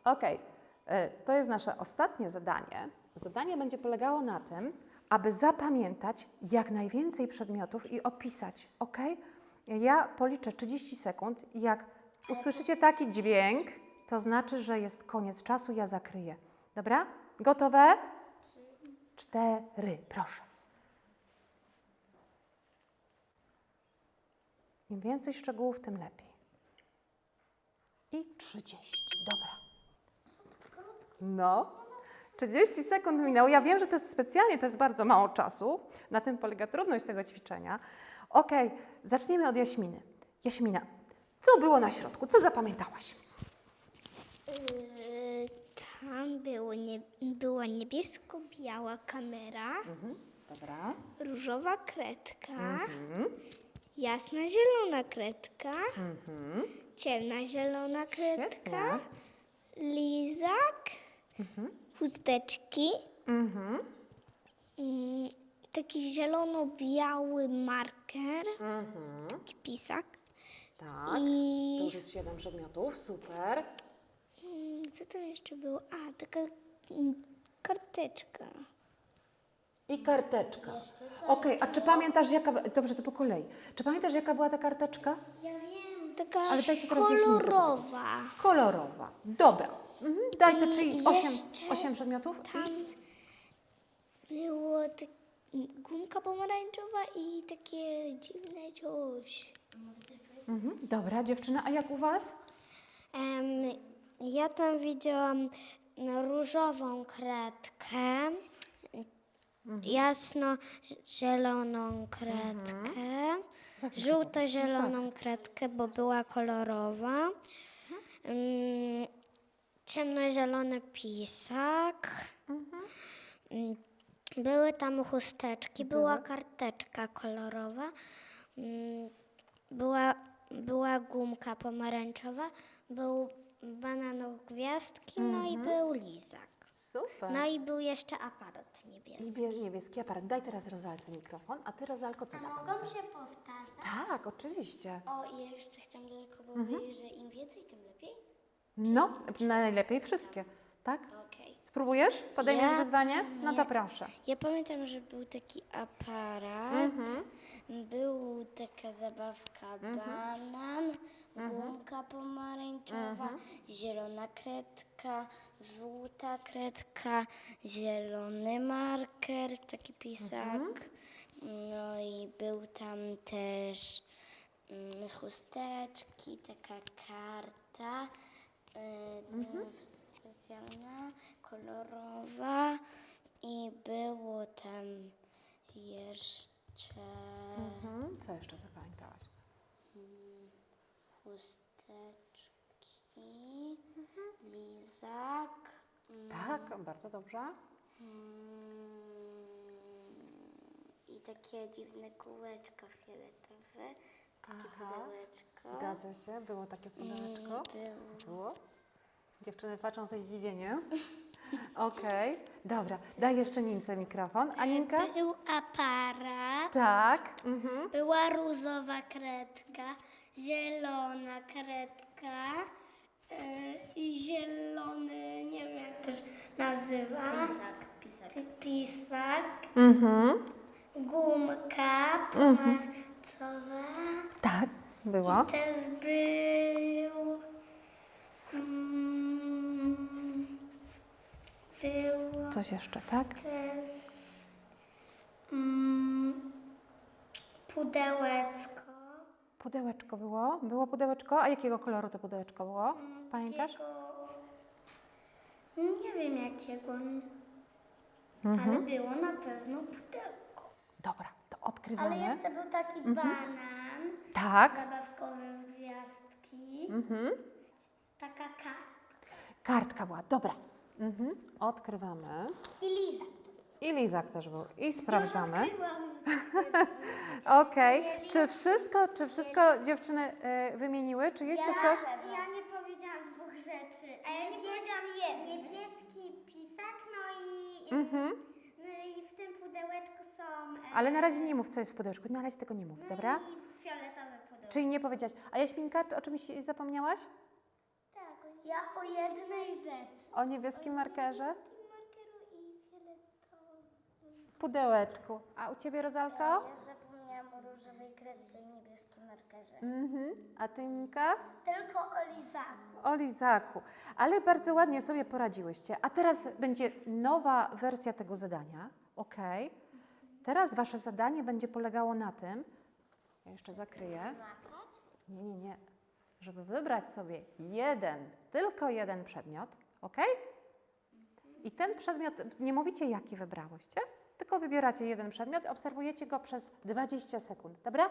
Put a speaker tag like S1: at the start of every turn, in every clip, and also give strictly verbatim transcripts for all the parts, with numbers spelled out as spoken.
S1: Okej, okay. To jest nasze ostatnie zadanie. Zadanie będzie polegało na tym, aby zapamiętać jak najwięcej przedmiotów i opisać, ok? Ja policzę trzydzieści sekund i jak usłyszycie taki dźwięk, to znaczy, że jest koniec czasu, ja zakryję. Dobra? Gotowe? Cztery, proszę. Im więcej szczegółów, tym lepiej. I trzydzieści, dobra. No, trzydzieści sekund minęło. Ja wiem, że to jest specjalnie, to jest bardzo mało czasu. Na tym polega trudność tego ćwiczenia. Okej, okay, zaczniemy od Jaśminy. Jaśmina, co było na środku? Co zapamiętałaś?
S2: Yy, tam było nie, była niebiesko-biała kamera,
S1: Mhm, dobra.
S2: różowa kredka,
S1: Mhm,
S2: jasna zielona kredka,
S1: mhm.
S2: ciemna zielona kredka,
S1: Świetnie.
S2: lizak,
S1: Mhm,
S2: chusteczki,
S1: mhm,
S2: mm, taki zielono-biały marker,
S1: mhm.
S2: taki pisak.
S1: Tak, to
S2: I
S1: już jest siedem przedmiotów, super.
S2: mm, co tam jeszcze było? A, taka mm, karteczka.
S1: I karteczka. Okej, a czy pamiętasz jaka... Dobrze, to po kolei. Czy pamiętasz jaka była ta karteczka?
S2: Ja wiem. Taka
S1: Ale dajcie teraz Jaśmince
S2: kolorowa.
S1: Kolorowa. Dobra. Mhm. Daj to,
S2: I
S1: czyli osiem,
S2: jeszcze
S1: osiem przedmiotów.
S2: Tam było tak, gumka pomarańczowa i takie dziwne coś.
S1: Mhm. Dobra, dziewczyna, a jak u was?
S2: Um, ja tam widziałam różową kredkę, jasno-zieloną kredkę, żółto-zieloną kredkę, bo była kolorowa, um, ciemnozielony pisak, um, były tam chusteczki, była karteczka kolorowa, um, była, była gumka pomarańczowa, był bananow gwiazdki, no i był lizak.
S1: Super.
S2: No i był jeszcze aparat niebieski.
S1: I niebieski aparat. Daj teraz Rozalce mikrofon. A ty, Rozalko, co zapamiętasz?
S2: się powtarzać?
S1: Tak, oczywiście.
S2: O, i jeszcze chciałam tylko powiedzieć, że im więcej, tym lepiej.
S1: No, najlepiej wszystkie. Tak?
S2: Okej.
S1: Spróbujesz? Podejmiesz
S2: Ja-
S1: wyzwanie? No to
S2: nie.
S1: proszę.
S2: Ja pamiętam, że był taki aparat, był taka zabawka banan, gumka pomarańczowa, zielona kredka, żółta kredka, zielony marker, taki pisak. No i był tam też mm, chusteczki, taka karta y, specjalna, kolorowa i było tam jeszcze
S1: Mhm. Co jeszcze zapamiętałaś?
S2: chusteczki, lizak,
S1: Tak, bardzo dobrze.
S2: mm, i takie dziwne kółeczko fioletowe, takie
S1: Aha.
S2: pudełeczko.
S1: Zgadza się, było takie pudełeczko.
S2: Było.
S1: Było. Dziewczyny patrzą ze zdziwieniem. Okej, dobra. Daj jeszcze Nince mikrofon. Aninka?
S2: Był aparat,
S1: Tak. Mhm.
S2: była różowa kredka, zielona kredka yy, i zielony, nie wiem jak to się nazywa. Pisak. Pisak. Pisak.
S1: Mhm.
S2: Gumka pomarańczowa.
S1: Tak, było.
S2: Też był... Mm, było
S1: Coś jeszcze, tak?
S2: też mm, pudełeczko.
S1: Pudełeczko było. Było pudełeczko. A jakiego koloru to pudełeczko było? Pamiętasz?
S2: Takiego, nie wiem jakiego, ale było na pewno pudełko.
S1: Dobra, to
S2: Ale
S1: odkrywamy.
S2: jeszcze był taki banan,
S1: Tak.
S2: zabawkowy w gwiazdki,
S1: Mhm.
S2: taka karta
S1: Kartka była, dobra. Mhm. Odkrywamy.
S2: i lizak.
S1: I lizak też był. I sprawdzamy.
S2: Odkryłam.
S1: Okej. Czy wszystko, czy wszystko dziewczyny e, wymieniły? Czy jest tu coś?
S3: Ja nie powiedziałam dwóch rzeczy.
S2: A ja nie powiedziałam jednej.
S3: Niebieski pisak, no i,
S1: Mhm.
S3: no i w tym pudełeczku są e,
S1: Ale na razie nie mów, co jest w pudełeczku. Na razie tego nie mów, dobra?
S3: i fioletowe pudełko.
S1: Czyli nie powiedziałaś. A Jaśminka, czy o czymś zapomniałaś?
S2: Tak, o
S3: Ja o jednej Z.
S1: O niebieskim markerze?
S3: Markeru i fioletowym.
S1: Pudełeczku. A u Ciebie, Rozalko?
S3: Ja zapomniałam o różowej kredce i niebieskim markerze.
S1: Mhm. A Ty, Ninka?
S3: Tylko o lizaku.
S1: O lizaku. Ale bardzo ładnie sobie poradziłyście. A teraz będzie nowa wersja tego zadania. Ok. Teraz Wasze zadanie będzie polegało na tym, ja jeszcze zakryję.
S3: Macać?
S1: Nie, nie, nie. Żeby wybrać sobie jeden, tylko jeden przedmiot, ok? I ten przedmiot, nie mówicie jaki wybrałyście, tylko wybieracie jeden przedmiot, obserwujecie go przez dwadzieścia sekund, dobra?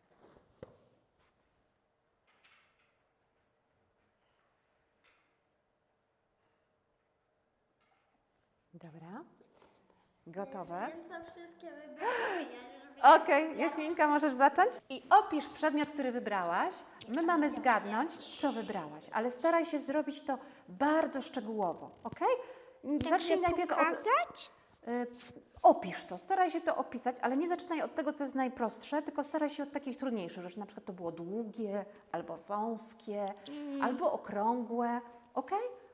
S1: Dobra. Gotowe?
S3: Wiem, co wszystkie wybrałam. Ja, żeby...
S1: Okej, Jaśminka, możesz zacząć? I opisz przedmiot, który wybrałaś. My mamy zgadnąć, co wybrałaś, ale staraj się zrobić to bardzo szczegółowo, ok? Zacznij najpierw od...
S2: pokazać?
S1: Y, opisz to, staraj się to opisać, ale nie zaczynaj od tego, co jest najprostsze, tylko staraj się od takich trudniejszych rzeczy. Na przykład to było długie, albo wąskie, albo okrągłe, ok?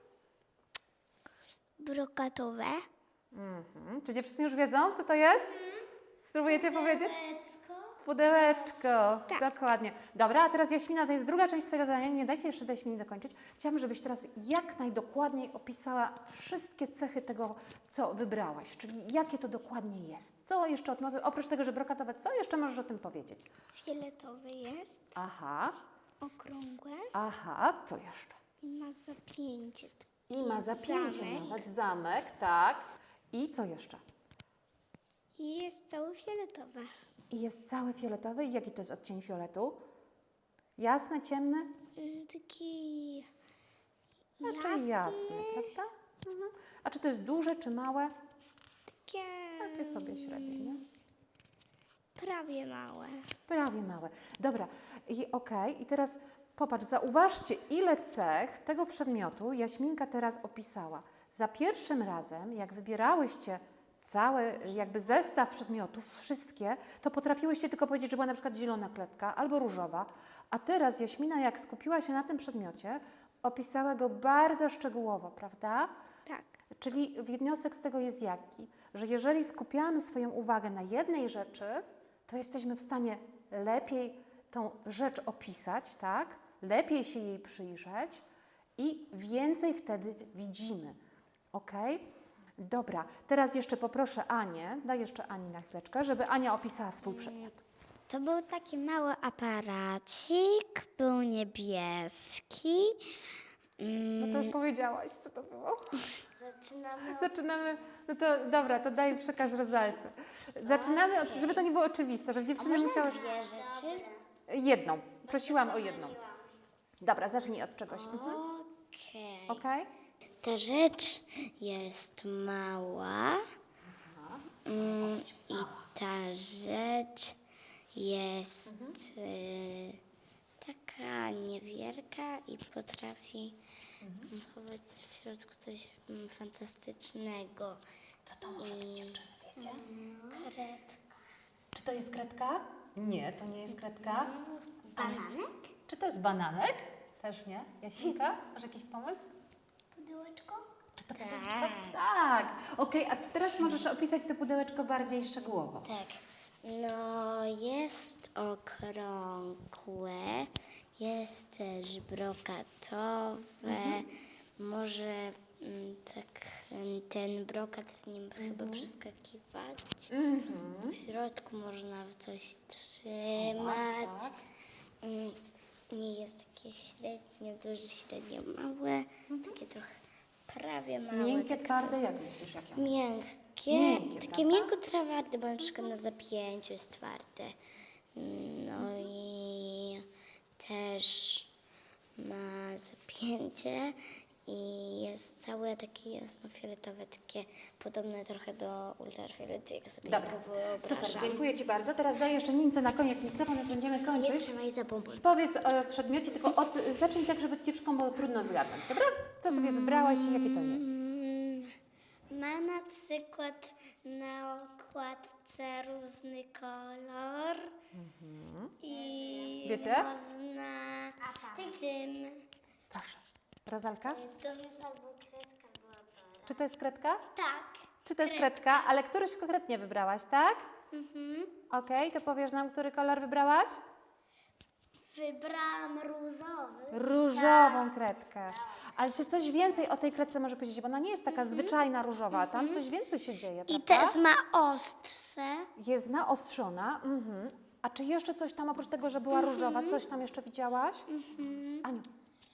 S2: Brokatowe.
S1: Mhm. Czy dziewczyny już wiedzą, co to jest? Spróbujecie powiedzieć? Pudełeczko, dokładnie. Dobra, a teraz Jaśmina, to jest druga część Twojego zadania, nie dajcie jeszcze Jaśminie dokończyć. Chciałabym, żebyś teraz jak najdokładniej opisała wszystkie cechy tego, co wybrałaś, czyli jakie to dokładnie jest. Co jeszcze, od, oprócz tego, że brokatowe, co jeszcze możesz o tym powiedzieć?
S2: Fioletowe jest,
S1: Aha,
S2: okrągłe
S1: aha, co jeszcze?
S2: i ma zapięcie.
S1: I ma zapięcie
S2: Zamek.
S1: nawet, zamek, tak. I co jeszcze?
S2: I jest cały fioletowe.
S1: I jest cały fioletowy. I jaki to jest odcień fioletu? Jasny, ciemny?
S2: Mm, Taki
S1: Raczej
S2: jasny,
S1: jasny, prawda? Mhm. A czy to jest duże, czy małe?
S2: takie
S1: Takie sobie średnie, nie?
S2: prawie małe.
S1: Prawie małe. Dobra, i okej. I teraz popatrz, zauważcie, ile cech tego przedmiotu Jaśminka teraz opisała. Za pierwszym razem, jak wybierałyście cały jakby zestaw przedmiotów, wszystkie, to potrafiłyście tylko powiedzieć, że była na przykład zielona kredka albo różowa, a teraz Jaśmina, jak skupiła się na tym przedmiocie, opisała go bardzo szczegółowo, prawda?
S2: Tak.
S1: Czyli wniosek z tego jest jaki? Że jeżeli skupiamy swoją uwagę na jednej rzeczy, to jesteśmy w stanie lepiej tą rzecz opisać, tak? Lepiej się jej przyjrzeć i więcej wtedy widzimy. Ok? Dobra, teraz jeszcze poproszę Anię, daj jeszcze Ani na chwileczkę, żeby Ania opisała swój przedmiot.
S2: To był taki mały aparacik, był niebieski.
S1: No to już powiedziałaś, co to było.
S3: Zaczynamy od...
S1: Zaczynamy, no to dobra, to daj przekaż Rozalce. Zaczynamy, od, żeby to nie było oczywiste, żeby dziewczyny musiały...
S2: Dwie rzeczy.
S1: Jedną, prosiłam o jedną. Dobra, zacznij od czegoś. Mhm.
S2: Okej.
S1: Okej?
S2: Ta rzecz jest mała mm, i ta rzecz jest y, taka niewielka i potrafi mm, chować w środku coś mm, fantastycznego.
S1: Co to może być, dziewczyny, wiecie?
S2: Kredka.
S1: Czy to jest kredka? Nie, to nie jest kredka.
S2: Bananek?
S1: Czy to jest bananek? Też nie. Jaśminka, masz jakiś pomysł?
S3: Pudełeczko?
S1: Czy to pudełeczko? Tak. Okej, a teraz możesz opisać to pudełeczko bardziej szczegółowo.
S2: Tak. No, jest okrągłe, jest też brokatowe. Może mm, tak mm, ten brokat w nim chyba przeskakiwać.
S1: Mhm.
S2: W środku można coś trzymać.
S1: tak.
S2: Mm, Nie jest takie średnio duże, średnio małe. Takie trochę prawie małe.
S1: Miękkie,
S2: tak
S1: twarde, jak myślisz, jakie?
S2: Miękkie,
S1: Miękkie,
S2: takie
S1: prawda?
S2: miękko twarde, bo na przykład na zapięciu jest twarde. No i też ma zapięcie i jest całe takie jasnofioletowe, takie podobne trochę do ultrafioletu, jak sobie
S1: Dobra,
S2: go wyobrażam.
S1: super, dziękuję Ci bardzo. Teraz daję jeszcze Nince na koniec mikrofon, już będziemy
S2: Nie
S1: kończyć.
S2: trzymaj za bombę.
S1: Powiedz o przedmiocie, tylko od, zacznij tak, żeby dziewczynkom było trudno zgadnąć, dobra? Co sobie wybrałaś i jakie to jest?
S2: Mm, Ma na przykład na okładce różny kolor i
S1: Wiecie?
S2: można tym
S1: Proszę, Rozalka?
S3: To jest albo kredka, albo apara.
S1: Czy to jest kredka?
S3: Tak.
S1: Czy to jest kredka? Ale któryś konkretnie wybrałaś, tak?
S3: Mhm.
S1: Okej, to powiesz nam, który kolor wybrałaś?
S3: Wybrałam różowy.
S1: Różową kredkę. Ale czy coś więcej o tej kredce może powiedzieć? Bo ona nie jest taka zwyczajna różowa, tam coś więcej się dzieje,
S3: I
S1: prawda?
S3: też ma ostrze.
S1: Jest naostrzona. Mhm. A czy jeszcze coś tam, oprócz tego, że była różowa, coś tam jeszcze widziałaś? Aniu.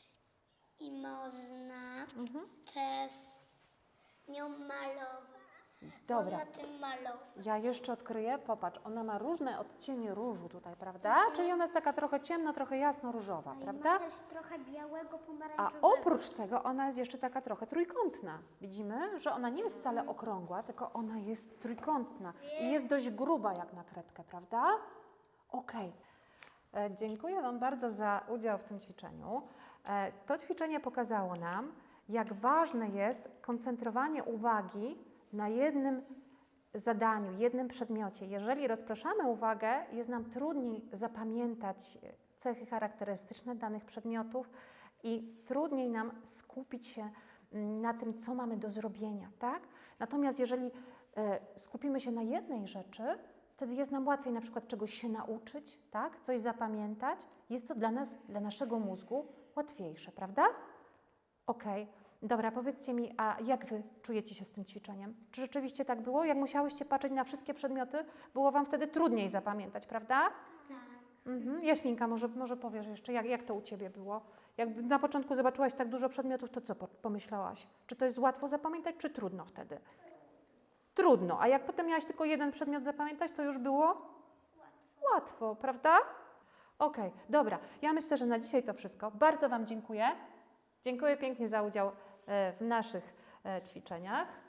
S3: I można
S1: Mhm.
S3: też nią malować.
S1: Dobra.
S3: Można tym malować.
S1: Ja jeszcze odkryję, popatrz, ona ma różne odcienie różu tutaj, prawda? Czyli ona jest taka trochę ciemno, trochę jasno-różowa, prawda?
S3: Ma też trochę białego,
S1: A
S3: pomarańczowego.
S1: oprócz tego ona jest jeszcze taka trochę trójkątna. Widzimy, że ona nie jest wcale okrągła, tylko ona jest trójkątna i jest dość gruba jak na kredkę, prawda? Okej. E, Dziękuję Wam bardzo za udział w tym ćwiczeniu. E, To ćwiczenie pokazało nam, jak ważne jest koncentrowanie uwagi na jednym zadaniu, jednym przedmiocie. Jeżeli rozpraszamy uwagę, jest nam trudniej zapamiętać cechy charakterystyczne danych przedmiotów i trudniej nam skupić się mm, na tym, co mamy do zrobienia, tak? Natomiast jeżeli e, skupimy się na jednej rzeczy, wtedy jest nam łatwiej na przykład czegoś się nauczyć, tak? Coś zapamiętać. Jest to dla nas, dla naszego mózgu łatwiejsze, prawda? Okej. Dobra, powiedzcie mi, a jak Wy czujecie się z tym ćwiczeniem? Czy rzeczywiście tak było? Jak musiałyście patrzeć na wszystkie przedmioty, było Wam wtedy trudniej zapamiętać, prawda?
S3: Tak.
S1: Mhm. Jaśminka, może, może powiesz jeszcze, jak, jak to u Ciebie było? Jak na początku zobaczyłaś tak dużo przedmiotów, to co po- pomyślałaś? Czy to jest łatwo zapamiętać, czy trudno wtedy? Trudno. A jak potem miałaś tylko jeden przedmiot zapamiętać, to już było? Łatwo. Łatwo, prawda? Okej, dobra. Ja myślę, że na dzisiaj to wszystko. Bardzo Wam dziękuję. Dziękuję pięknie za udział e, w naszych e, ćwiczeniach.